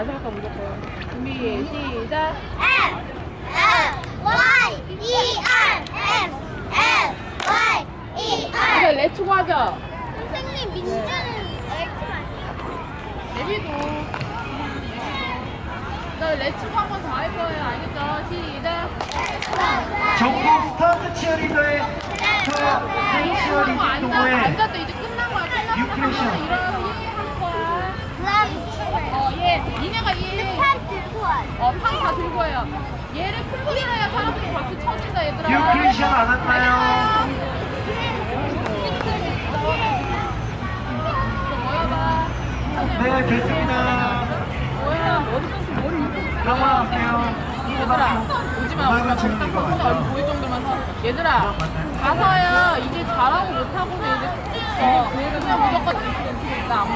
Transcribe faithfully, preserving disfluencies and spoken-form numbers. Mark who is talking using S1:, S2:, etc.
S1: 다시 할까 무조건. 준비 시작.
S2: M L Y E R M L Y E
S1: 이거
S2: R.
S1: 레츠고 하자.
S2: 선생님 민주는 엑스
S1: 레비도. 나 레츠고 한 번 더 할 거예요. 알겠죠? 시작.
S3: 전국 스타트 치어리더의 저 생 치어리딩
S1: 앉아,
S3: 동호회
S1: 앉았다. 이제 끝난 거야. 끝나고
S3: 유크레이션.
S1: 일어나서 예 하는 거야.
S2: 그럼
S1: 어, 얘. 니네가 얘.
S2: 판 들고 와.
S1: 어, 판 다 들고 와요. 얘를 풀고 일어야 사람들이 박수 쳐준다, 얘들아.
S3: 유크레이션 안 왔나요?
S1: 모여봐.
S3: 네, 됐습니다.
S1: 뭐야, 어디서 머리 이렇게.
S3: 넘어갈게요.
S1: 얘들아, 오지마, 오지마. 거기다 혼자 얼굴 보일 정도만 서. 얘들아, 가서요. 이제 잘하고 못하고는 이제, 어, 그냥 무조건 이렇게 있다.